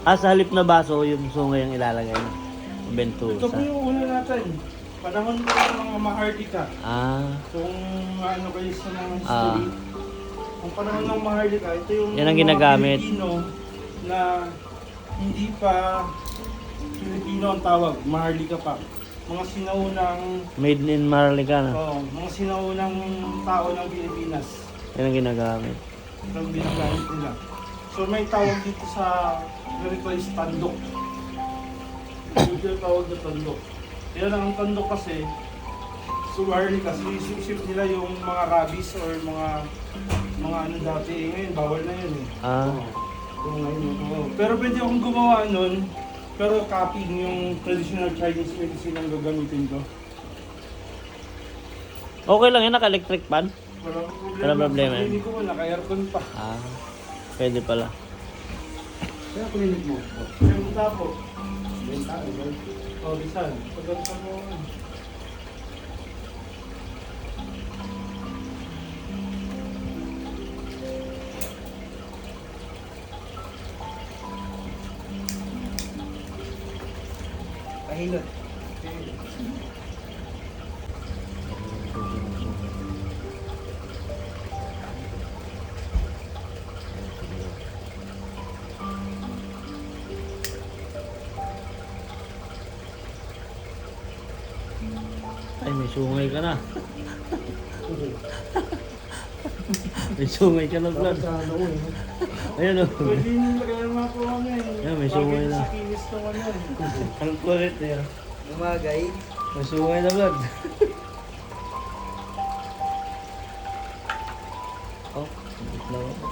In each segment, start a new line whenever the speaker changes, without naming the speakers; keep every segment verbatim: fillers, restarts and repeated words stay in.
Ah, sa halip na baso, yung sungay yung ilalagay mo. Bentusa.
Ito po yung una natin. Panahon ko ng mga Maharlika.
Ah,
Kung ano kayo sa mga
Ah.
history. Ang panahon ng Maharlika, ito yung
Yan ang
mga
ginagamit.
Pilipino na hindi pa Pilipino ang tawag, Maharlika pa. Mga sinaunang
made in Marlica na.
oh, mga sinaunang tao ng Pilipinas.
Yan ang ginagamit.
Ito ang ginagamit nila. So may tawag dito sa ganito is tandok. Ito yung tawag na tandok. Kaya lang ang tandok kasi sumarli kasi isip-isip nila yung mga rabies or mga mga ano dati. Eh, ngayon bawal na yun eh.
Ah,
Oo, ngayon, oo. Pero pwede akong gumawa nun. Pero copying yung traditional Chinese medicine ang gagamitin ko.
okay lang yan, naka-electric pan.
Walang problema.
Walang problema.
Hindi ko man, naka-aircon pa.
Ah, pwede pala.
Kaya klinik mo? Kaya mo tapo. Benta, diba? O, bisan. Pagkakita mo.
Pahilot.
Ay, may sungay ka na. May sungay ka na, Vlad.
Ano eh.
Ayun o.
Pwede nyo lagyan mga po ano eh.
Yan, may sungay na.
Sa kinis ng ano eh.
Ang kulit eh.
Lumagay.
May sungay na, Vlad. Oh, wait lang ako.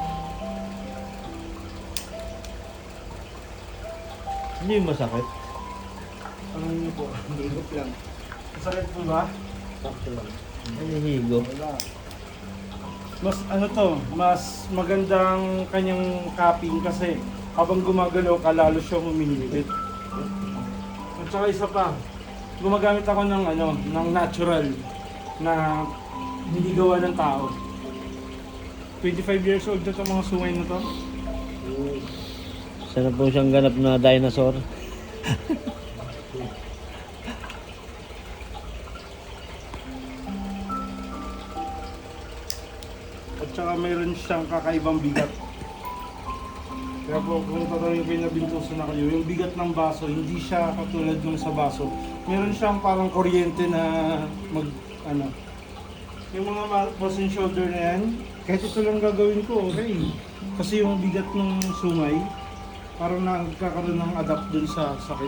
Hindi yung masakit.
Ano nyo po?
Higop lang.
Masakit po ba?
Sakto lang. Ay, higo.
Wala. Mas ano to, mas magandang kanyang cupping kasi habang gumagalaw ka lalo siyang humihigit. At saka isa pa, gumagamit ako ng ano, ng natural na hindi gawa ng tao. twenty-five years old na itong mga sungay na to.
Sana po siyang ganap na dinosaur.
At saka mayroon siyang kakaibang bigat. Kaya po kung tatanungin kayo na bintuso na kayo, yung bigat ng baso, hindi siya katulad nung sa baso. Meron siyang parang kuryente na mag, ano, yung mga balls and shoulder na yan, kahit ito lang gagawin ko, okay. Kasi yung bigat ng sungay, parang nagkakaroon ng adapt dun sa sakit.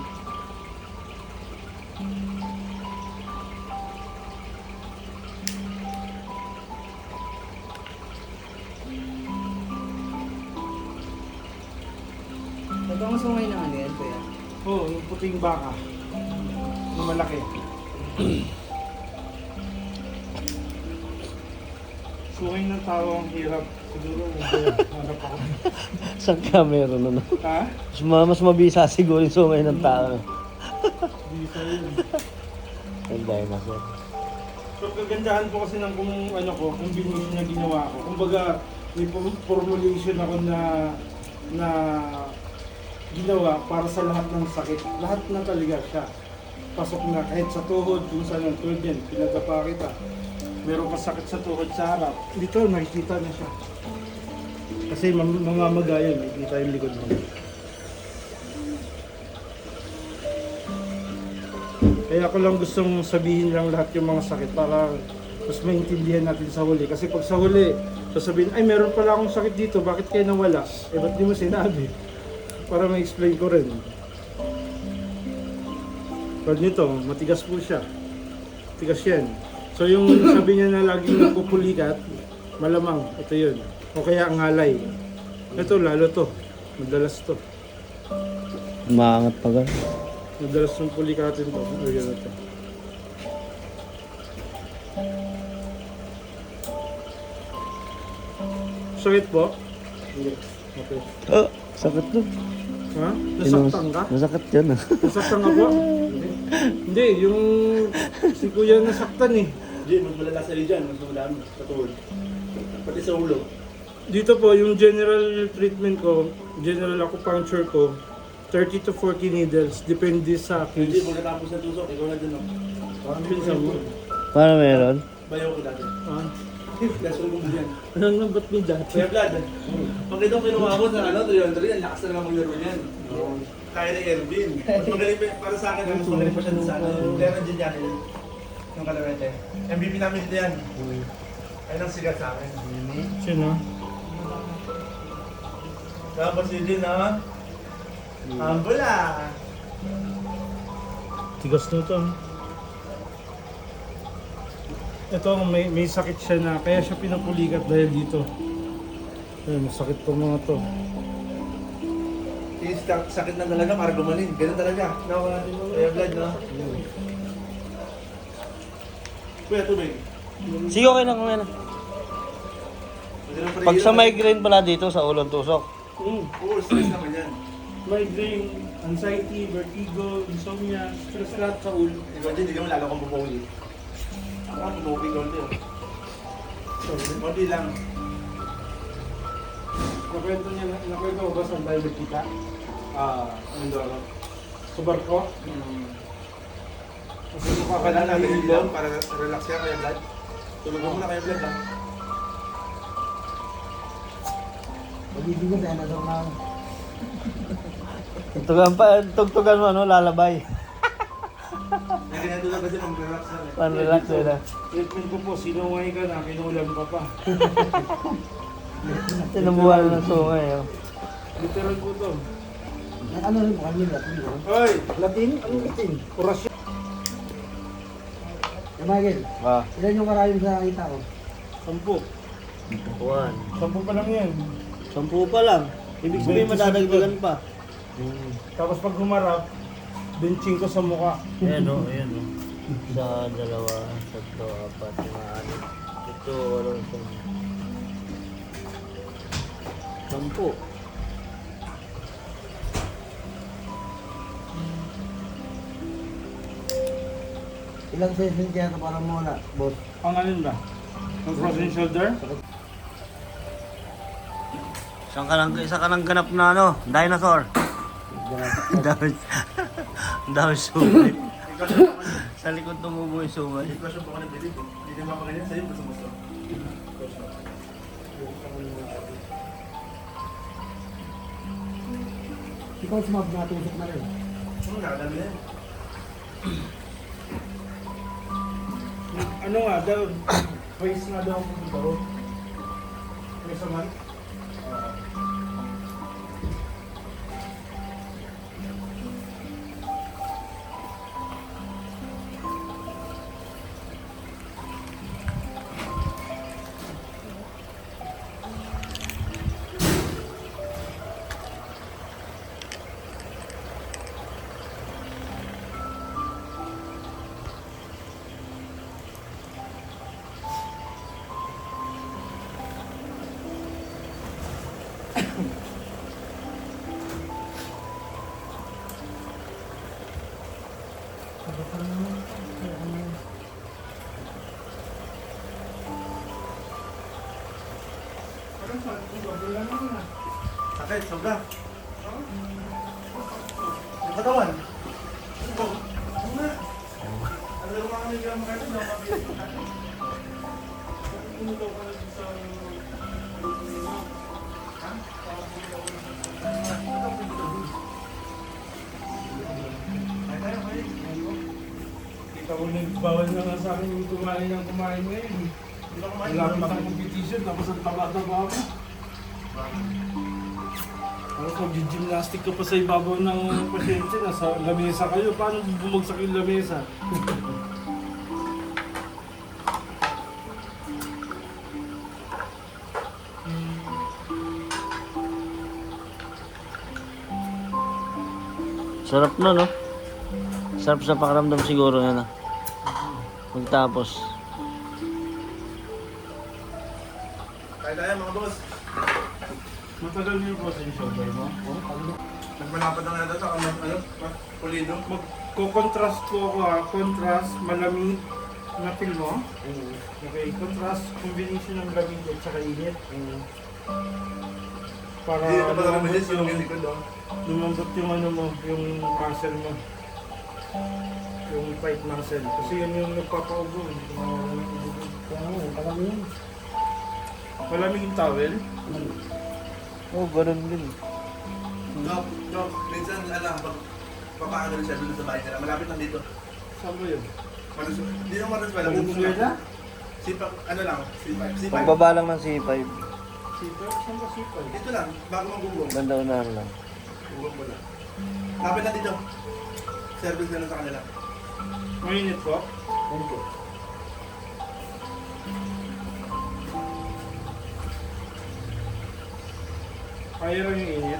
Ito ang sungay ng ano yan, kuya?
Oo, oh, yung puting baka. Yung malaki. Sungay ng tao ang hirap. Siguro, hanap ako.
Saan ka meron ano?
Ha?
Mas, ma- mas mabisa siguro yung sungay ng tao.
Hindi sa yun.
Yung dinosaur.
So, kagandahan po kasi ng kung ano ko, combination na ginawa ko. Kumbaga, may pom- formulation ako na na ginawa para sa lahat ng sakit. Lahat na talaga siya. Pasok na kahit sa tuhod, kung saan ang tuhod yan, pinagapa kita. Meron ka sakit sa tuhod sa harap. Dito, nakikita na siya. Kasi mam- mamamaga yun, nakikita yung likod mo. Kaya ako lang gustong sabihin lang lahat yung mga sakit para mas maintindihan natin sa huli. Kasi pag sa huli, sasabihin, ay meron pala akong sakit dito, bakit kayo nawala? Eh ba't di mo sinabi? Para ma-explain ko rin. Pag nito, matigas po siya. Matigas yan. So yung sabi niya na laging napupulikat, malamang, ito yun. O kaya ang ngalay. Ito, lalo to. Madalas to.
Umaangat pa ka.
Madalas yung pulikatin to. O yan ito. Sakit po? Hindi. Okay.
Oh, sakit to.
Ha? Nasaktan ka?
Nasakit yun ah.
Nasaktan ka po? Hindi, yung si kuya nasaktan eh.
Hindi, mas malala sa dyan, mas madami sa tuhod. Pati sa ulo.
Dito po, yung general treatment ko, general acupuncture ko, thirty to forty needles, depende sa
Hindi,
case.
pagkatapos ng tusok, ikaw na din, no?
Ang pinsan mo.
Paano meron?
Bayo ko dati.
Ah,
Last ko mo yan.
anong nang ba't may dati?
Kuya Vlad, pag itong kinuha mo sa ano, three hundred, ang lakas na naman maglaro niyan. Kaya ni Ervin. Mas magaling pa, para sa akin, mas magaling pa siya dun sa ano. Player ng Gin Johnny din. Yung kalawete. M V P namin dito yan. Ayun ang sigat sa akin.
Sino?
Tapos yun din, ha? Humble ah.
Tigas na ito. Ito, may, may sakit siya na, kaya siya pinapulikat dahil dito. Ayun, masakit tong mga to.
Yung sak- sakit na talaga para gumaling. Ganun talaga. No? Kuya Vlad, no? Kuya, tubig.
Sige, okay lang, okay lang.
Pwede lang
Pag sa
parihin.
migraine pala dito sa ulong tusok.
Mm.
Oo, stress naman yan.
Migraine, anxiety, vertigo, insomnia, stress lahat sa ulo.
Ikaw din, hindi mo lalo kang pupuli. Ako, pupuli ko ulit. Konti lang.
Nakwento niya, nakwento ko ba saan tayo nagkita?
Ah, ano doon?
Sa barko?
Hmm.
Kasi mukha ka
Kailangan
na
natin
nahihilo.
yung para relax ka kaya Vlad. Tulog mo muna kaya Vlad ha.
Pag-ibigin tayo na daw na ako.
Tugtugan pa, tugtugan mo, ano, lalabay.
Hindi ganyan tulog kasi mag-relax na eh.
Pan-relax eh na.
Treatment ko po, sinungay ka na, kinulam ka pa.
Sinubuhan ng sungay, oh.
Literal po to.
Ano rin mo kami Latin?
Hoy!
Latin? Anong Latin?
Orasyon.
Kamagil,
Ah.
ilan yung karayom sa kita ko?
Sampu.
One.
Sampu pa lang yan.
Sampu pa lang. Ibig sabihin madadagdagan pa.
Tapos pag humarap, benching ko sa mukha.
Ayan o, ayan o. Isa, dalawa, tatlo, apat, lima, anim. Ito, walo, ito. Sampu.
Ilang session kaya ito para muna, boss?
Ang alin ba? Ang frozen shoulder?
Isang ka lang, isa ka lang ganap na ano, dinosaur. Ang dami, ang dami sumay. Sa likod tumubo yung sumay.
Hindi ko siya pa ka ng bilib. Hindi naman ako ganyan sa'yo, basta gusto.
Ikaw sumab na tusok na rin.
Ano, nakadami na yan.
Ano nga daw? Twice nga daw ako dito. Twice a month?
Sakit, sobra. Yung katawan. Ito. Ano nga? Ano na mga kami kaya makakita na mabilis ko natin. Ay, tayo, ay.
Kita ko nagbawal na nga sa akin yung kumain ng kumain ngayon.
Hindi ko kumain.
Wala pa akong competition, tapos ang taba-taba ako. Tapos mag-gymnastic ka pa sa ibabaw ng pasyente, nasa lamesa kayo. Paano bumagsak yung lamesa?
Sarap na, no? Sarap sa pakiramdam siguro yan, ah. Pagtapos.
Kaya tayo mga boss.
Matagal niyo po sa shoulder mo?
Nagmalapad na nga daw sa ano, ano, pulido.
Magko-contrast po ako ha. Contrast, malamig na feel mo. Okay, contrast, combination ng lamig at saka init. Para
Hindi na pala
lumambot
reminis yung
yung,
likod, oh.
lumambot yung ano mo, yung muscle mo. Yung tight muscle. Kasi yun yung nagpapaubo. eh. Nawawala ng ubo.
Kaya nga, parang yun.
Malamig yung towel.
Oo, oh, ganun din.
Dok, Dok, minsan alam, pag papaano rin siya dun sa bahay nila, malapit lang dito.
Saan ba yun?
Manas, hindi naman manas wala,
Yung
bubong lang.
Florida?
Sipak, ano lang, C five. C five.
Pagbaba lang ng C five.
Sipag? Saan ba sipag?
Dito lang, bago magbubong.
Banda unahan lang.
Bubong mo lang. Lapit lang dito. Service na lang sa kanila.
Mainit po?
Thank you.
Kaya lang yung init.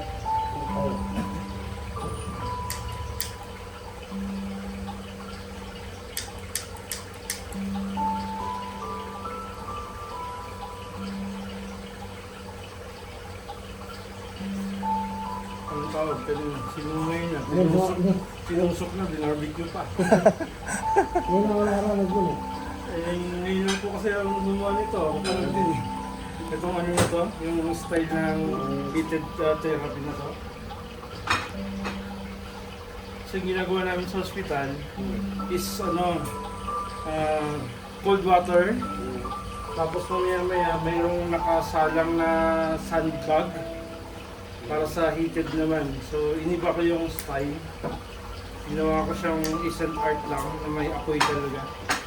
Ang tawag, pero sinungay na.
Yan,
Sinusok,
yan.
sinusok na, binarbecue pa.
Yan ang wala araw nagdun eh.
Eh, ngayon lang po kasi ang gumawa nito. Ako pa lang din eh. Itong ano na to, yung style ng heated uh, therapy na to. So yung ginagawa namin sa hospital is ano, uh, cold water. Tapos mamaya maya mayroong nakasalang na sandbag para sa heated naman. So iniba ko yung style. Ginawa ko siyang isang art lang na may apoy talaga.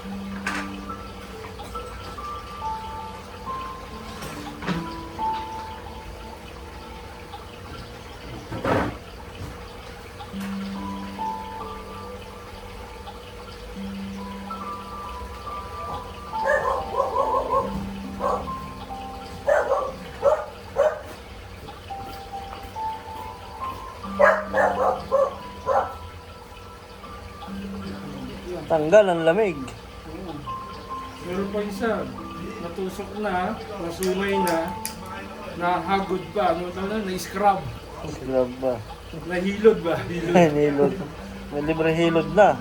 Tanggal ang lamig.
Oo. Meron pa isa, natusok na, nasumay na, nahagod pa, ano tawag na, na-scrub,
Grab ba?
nahilod ba? Hilod.
Hilod. May libre hilod na.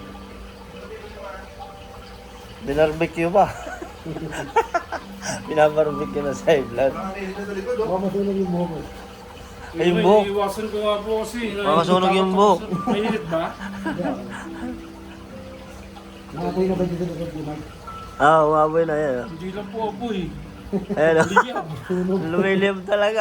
Binarbecue pa. Binabarbecue na sa blood.
Parang init na sa likod, oh.
Baka masunog yung buhok mo.
Ay, yung buhok.
Iiwasan ko nga po kasi.
Baka sunog yung buhok.
Mainit ba?
Nakapoy na ba dito sa Pilipinas?
Ah, umaboy na yan. oh.
Hindi lang po apoy.
Ayan o.
Liyab.
Lumilip talaga.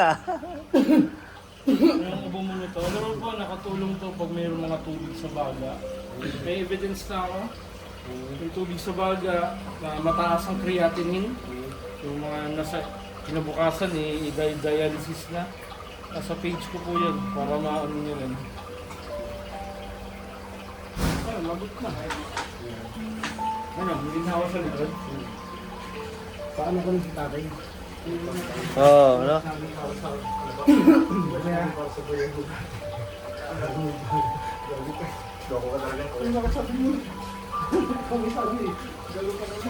Yung ubo mo nito. Alam mo po, nakatulong to pag mayroong mga tubig sa baga. May evidence na ako. Yung tubig sa baga, na mataas ang creatinine. Yung mga nasa kinabukasan, eh, i-dialysis na. Nasa page ko po yan, para maano nyo rin. Ah, lagot na. Ano, hindi na ako sa likod?
Paano ko lang si tatay?
Oo, oh, ano?
Loko ka talaga.
Ano bakit sabi mo? Kami sabi eh. Galo ka naman.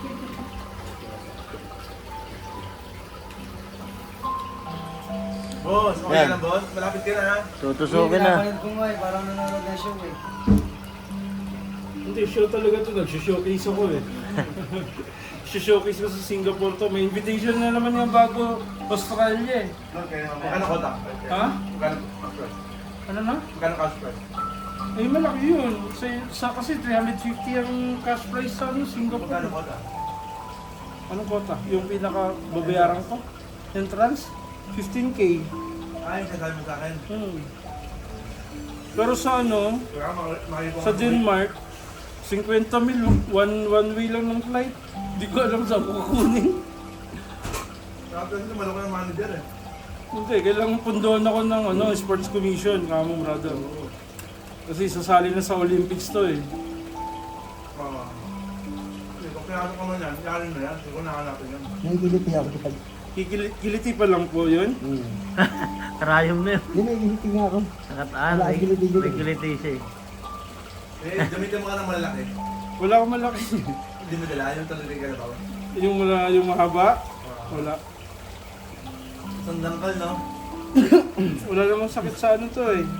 Boss, okay
Yan.
lang, boss. Malapit ka na, ha?
Tutusukin na.
ko nga eh, parang nanonood na show eh.
Hindi, show talaga to. Nag-showcase ako eh. Showcase ko sa Singapore to. May invitation na naman yung bago Australia eh.
Okay, magkano kota?
Ha?
Magkano cash price?
Ano na?
Magkano cash price?
Eh, malaki yun. Sa, sa kasi three hundred fifty ang cash price sa ano,
Magkano
Singapore.
kota?
Anong kota? Yung pinaka babayaran ko? Entrance? fifteen K.
Ay, sasabi mo sa akin.
Hmm. Pero sa ano,
Kaya mak- makikita
sa Denmark, fifty mil, one, one way lang ng flight. Hindi ko alam saan ko kukunin.
Tapos ito, malaki ng manager eh.
Hindi, kailangan pundohan ako ng ano, sports commission, kamo brother. Kasi sasali na sa Olympics to eh.
Oo. Hindi, kung pinasok ko man yan, yari na yan. Hindi ko nakanapin yan.
Nagigiliti ako dyan.
Kikili- kiliti pa lang po yun.
Hmm.
Karayom na yun.
Hindi, nagigiliti nga ako.
Nakataan.
Wala,
May,
giliti-giliti.
may kiliti siya eh.
Eh, gamitin mo ka ng malalaki.
Wala akong malaki.
Hindi mo dala, yung talagang galabaw.
yung wala, yung mahaba, wala.
Sandangkal, no?
Wala namang sakit sa ano to eh.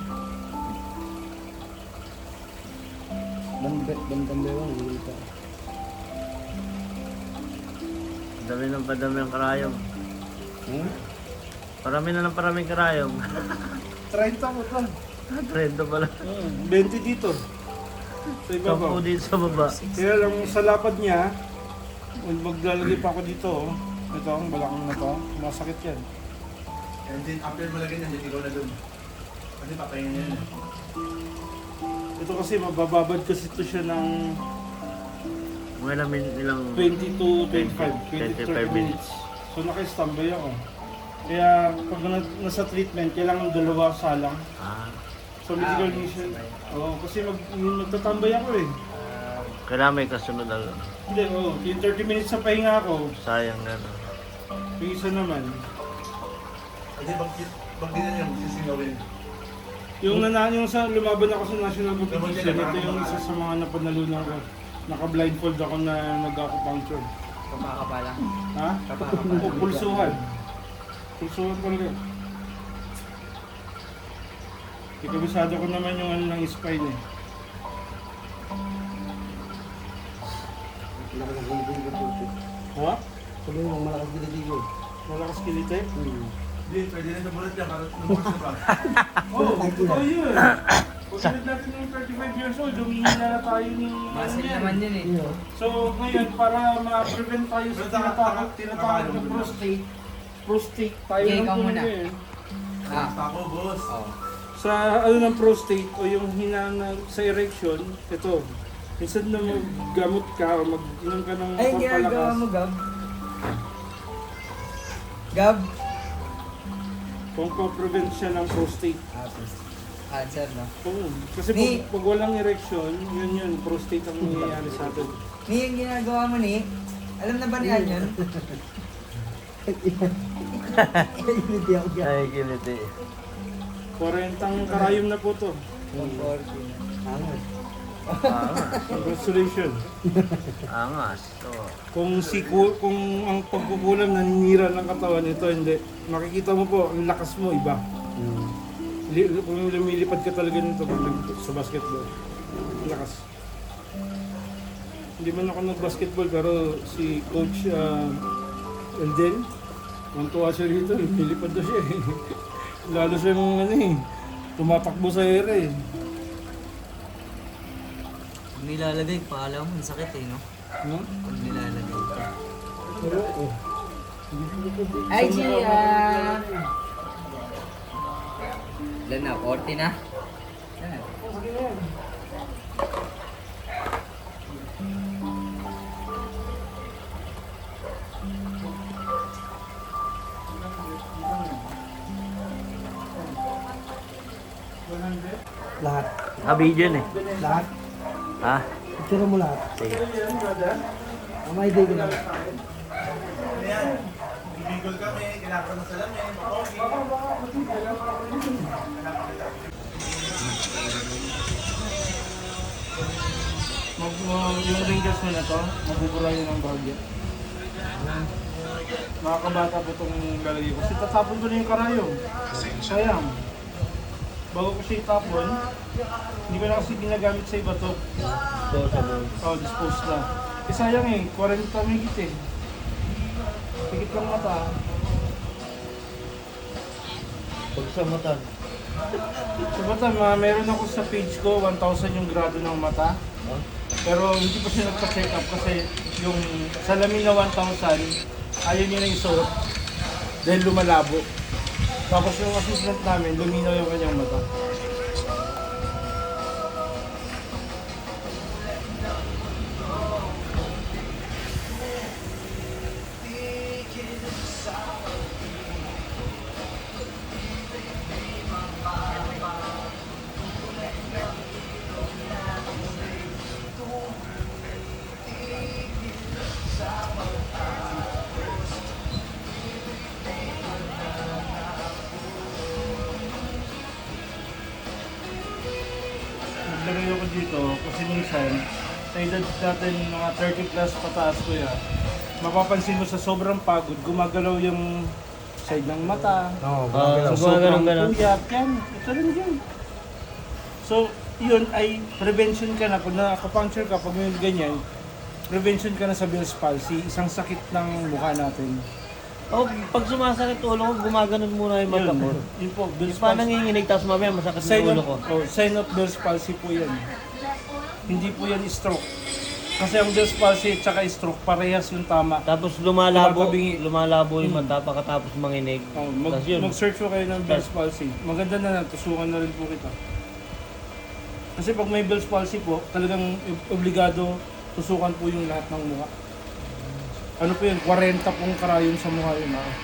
Bandit, bandandewang, nagigiliti ako.
Dami ng padami ang karayom.
Hmm?
Parami na ng paraming karayom.
treinta mo to.
Trento pala.
Hmm, twenty dito. Sa iba
Sampu
ba?
dito sa baba.
Kaya lang sa lapad niya, maglalagay pa ako dito. Oh. Ito, ang balakang na to. Masakit yan.
And then after mo lagyan yan, hindi ko na dun. Kasi papahinga yan.
Ito kasi mabababad kasi ito siya ng
Mga ilang min, ilang...
twenty to twenty-five, twenty to thirty minutes. So naka-standby ako. Kaya pag na, nasa treatment, kailangan dalawa salang.
Ah,
So medical mission. Oo, kasi mag, magtatambay ako eh.
kailangan may kasunod agad.
Hindi, oo. Yung thirty minutes sa pahinga ako,
Sayang gano'n.
yung isa naman.
Kasi pag, pag di na niya, sisingawin.
Yung nanaan yung sa lumaban ako sa national competition, ito yung isa sa mga napanalunan ko. Naka-blindfold ako na nag-acupuncture.
Kapakapala.
Ha? O pulsuhan. Pulsuhan talaga. Ikabisado ko naman yung ano ng spine eh.
Malakas ang kiliti ko.
Ha?
Sabi mo, malakas kiliti ko.
Malakas kilite?
Hmm.
Hindi, pwede na nabulat niya para nabulat na ba?
Oo, oh, totoo yun. Pagkalit natin ng thirty-five years old, humihina na tayo ni...
Muscle naman yun eh.
Yeah.
So ngayon, para ma-prevent tayo sa tinatawag, tinatawag na prostate, prostate tayo
Okay,
ng
ikaw muna.
eh.
Ah.
Ako, boss.
Oh.
Sa ano ng prostate o yung hinana sa erection, ito, instead na maggamot ka o mag-inom ka ng
Ay, ginagawa mo, Gab. Gab.
kung pa-prevent siya ng prostate.
Ah, please. Cancer, no?
Oo. Kasi
Ni-
pag, pag walang erection, yun yun, prostate ang nangyayari sa atin.
Ni, yung ginagawa mo, ni, alam na ba ni Anyon?
Kiliti ako dyan.
Ay, kiliti.
Kuwarentang karayom na po to.
forty.
Angas.
Angas.
Congratulations.
Angas. Oo.
Kung si ku- kung ang pagkukulam naninira ng katawan ito, hindi. Makikita mo po, ang lakas mo iba.
Hmm.
Li- kung lumilipad ka talaga nito pag nag- sa basketball. Ang lakas. Hindi man ako nag-basketball pero si Coach uh, Elden, tuwa siya rito, lumilipad na siya eh. Lalo siya yung ano eh, tumatakbo sa ere eh.
Pag nilalagay, paalam mo, ang sakit eh, no?
No?
Pag nilalagay.
Pero, oh.
Ay, Gia! Ilan na? forty na? Ilan na?
Lahat.
Naka-video yun eh.
Lahat.
Ha?
Picture mo lahat.
Sige.
Ang may day ko lang.
Ano yan? Bibigol kami, kailangan ko ng salamin, makogi.
Mag, uh, yung ringgers mo na to, mabubura yun ng bahagya. Nakakabata po itong lalagay ko. Kasi tatapon ko na yung karayom. Sayang. Bago ko siya itapon, hindi ko na kasi ginagamit sa iba to. Oh, dispose na. Eh sayang eh, forty migit eh. Higit lang mata.
Pag sa mata.
Sa mata, ma, meron ako sa page ko, one thousand yung grado ng mata. Pero hindi pa siya nagpa-check up kasi yung salamin na one thousand, ayaw niya na isuot dahil lumalabo. Tapos yung assistant namin, luminaw yung kanyang mata. Naglagay ako dito kasi minsan sa edad natin mga thirty plus pataas ko yan, mapapansin mo sa sobrang pagod, gumagalaw yung side ng mata,
Oo,
Ah,
sa
so,
sobrang
ganun, ganun.
puyat, yan, ito rin yan. So, yun ay prevention ka na, pag na-acupuncture ka, pag may ganyan, prevention ka na sa Bell's palsy, isang sakit ng mukha natin.
Oh, pag sumasakit ulo ko, gumaganon muna yung mata ko.
Yun po, Bell's
Yung pa
palsy.
nanginginig, tapos mamaya masakit
Sign
yung
of,
ulo ko.
oh, sign of Bell's palsy po yan. Hindi po yan stroke. Kasi ang Bell's palsy at saka stroke, parehas yung tama.
Tapos lumalabo,
Tumatabingi.
lumalabo yung mata pagkatapos manginig.
Oh, mag,
Tapos yun.
mag-search po kayo ng Bell's palsy. Maganda na natusukan na rin po kita. Kasi pag may Bell's palsy po, talagang obligado tusukan po yung lahat ng mukha. Ano po yun? forty pong karayon sa mukha yun. Ah.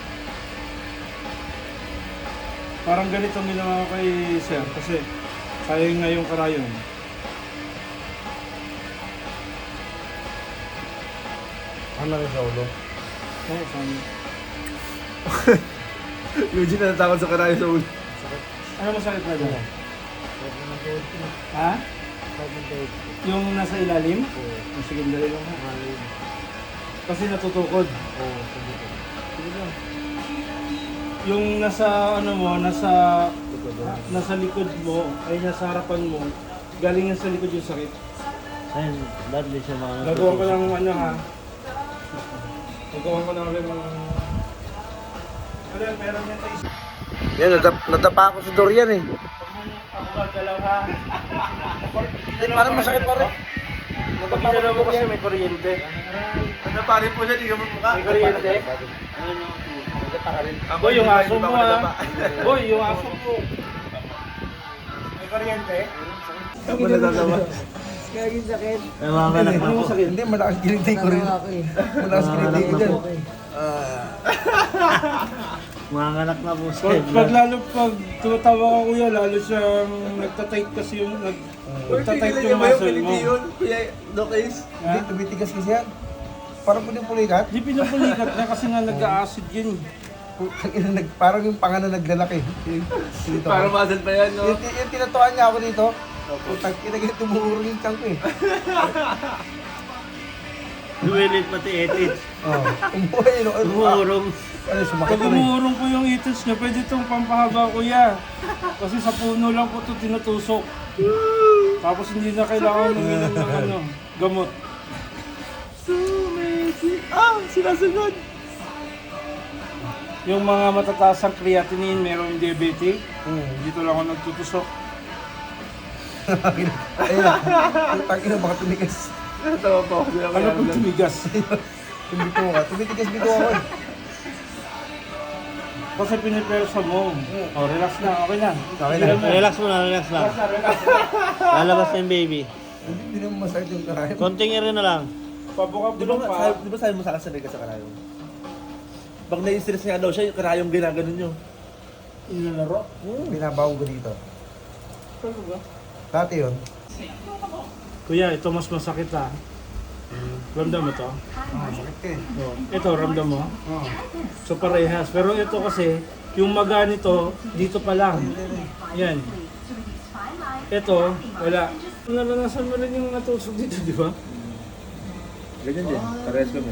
Parang ganito ang ginawa ko kay Sir kasi sayang nga yung karayon.
Ano rin sa ulo?
Oo, saan?
Eugene na natakot sa karayo sa ulo.
Ano masakit na dyan? Ha? Yung nasa ilalim? Oo. Sige, dali lang ha. Kasi natutukod. Oo, sige lang. Yung nasa ano mo, nasa nasa likod mo, ay nasa harapan mo, galing yan sa likod yung sakit.
Ayun, dadli siya mga
Gagawa ko ng ano ha. Gagawa ko ng rin ng... Ano yan, meron yan tayo.
Yan, natap natapa ako sa Dorian eh.
Ako gagalaw ha.
Eh, parang masakit pa rin.
Pagkagalaw mo kasi may kuryente.
Ano pa rin po siya, di ka magmukha.
May kuryente. Boy, yung aso mo ha. Boy, yung aso mo. May kuryente.
Ako natatawa.
Kaging sakit.
Ay, mga anak na po.
Hindi, malakas kilig ko rin.
Ako eh.
Malakas
Mga
kilig
anak na
dyan.
po.
Ah,
Mga anak na po.
Pag, pag lalo pag tumatawa ka kuya, lalo siyang nagtatight kasi yung nag, nagtatight
Tigil
yung
ba yung
muscle mo.
piniti yun? Kuya, Doc Ace?
Hindi, tumitigas kasi yan. Parang puling pulikat.
Di pinupulikat na kasi nga nag-acid yun.
Putang ina, nag- Parang yung panga na naglalaki. Dito.
Para muscle pa yan, no?
Yung, yung tinatuan niya ako dito. Putang ina, ganyan tumuhurong yung chunk ko eh.
Duwilit pati etit.
Oo. Umuhay, no? Ano,
Tumurong.
ano, sumakit
Pag
ko rin.
umuurong po yung itis niya, pwede itong pampahaba kuya. Kasi sa puno lang po ito tinutusok. Tapos hindi na kailangan uminom ng ano, gamot.
Ah, sinasunod!
Yung mga matataas ang creatinine, merong diabetic.
Hmm.
Dito lang ako nagtutusok.
Ayun na. Putang ina, baka tumigas.
Natawa pa ako.
Ano pag tumigas?
Tumito ka. Tumitigas bito ako eh.
Kasi pinipersa mo. Oh, relax na, okay na.
Okay na.
Relax mo na, relax lang.
Relax na, relax.
Lalabas na yung baby.
Hindi hindi naman masakit yung karayan.
Konting rin na lang.
Pabukap
Di
din
ba,
pa.
sabi, di ba sabi mo sa akin sanay ka sa karayong? Pag nai-stress nga daw siya, yung karayong ginaganon nyo.
Inalaro?
Binabaw ko dito.
Ano ba?
Dati yun.
Kuya, ito mas masakit ha. Ramdam mo to?
Ah, sakit ka eh.
Oh. Ito, ramdam mo?
Oo.
So parehas. Pero ito kasi, yung maga nito, dito pa lang. Yan. Ito, wala. Naranasan mo rin yung natusok dito, di ba?
Ganyan din, parehas kami.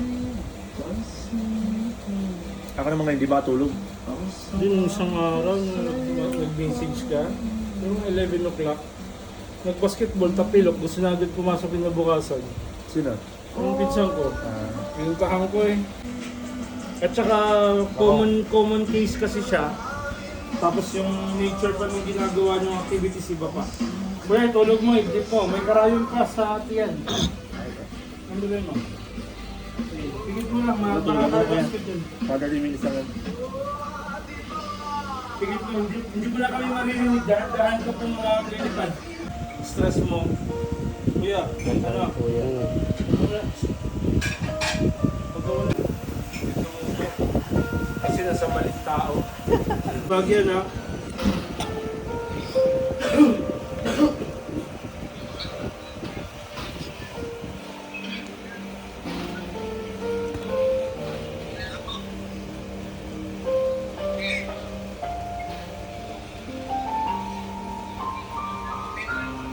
Ako naman ngayon, di ba tulog?
Din isang araw, nag- nag-message ka, yung eleven o'clock, nag-basketball, tapilok, gusto na agad pumasok yung nabukasan.
Sino?
Yung pinsan ko,
Ah,
pinuntahan ko eh. At saka common common case kasi siya. Tapos yung nature pa ng ginagawa ng activities iba pa. Kuya, tulog mo, hindi po. May karayon ka sa tiyan. Ano ba mo? Pigit mo lang, makakabasket yun.
forty minutes lang.
Pigit mo, hindi, hindi mo na kami maririnig. Dahan, dahan ka pong mga lilipad. Stress mo. Kuya, ano? Wala. Pag wala. Kasi nasa maling tao. Pag yan ha.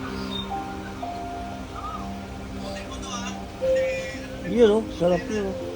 Yun oh, sarap yun oh.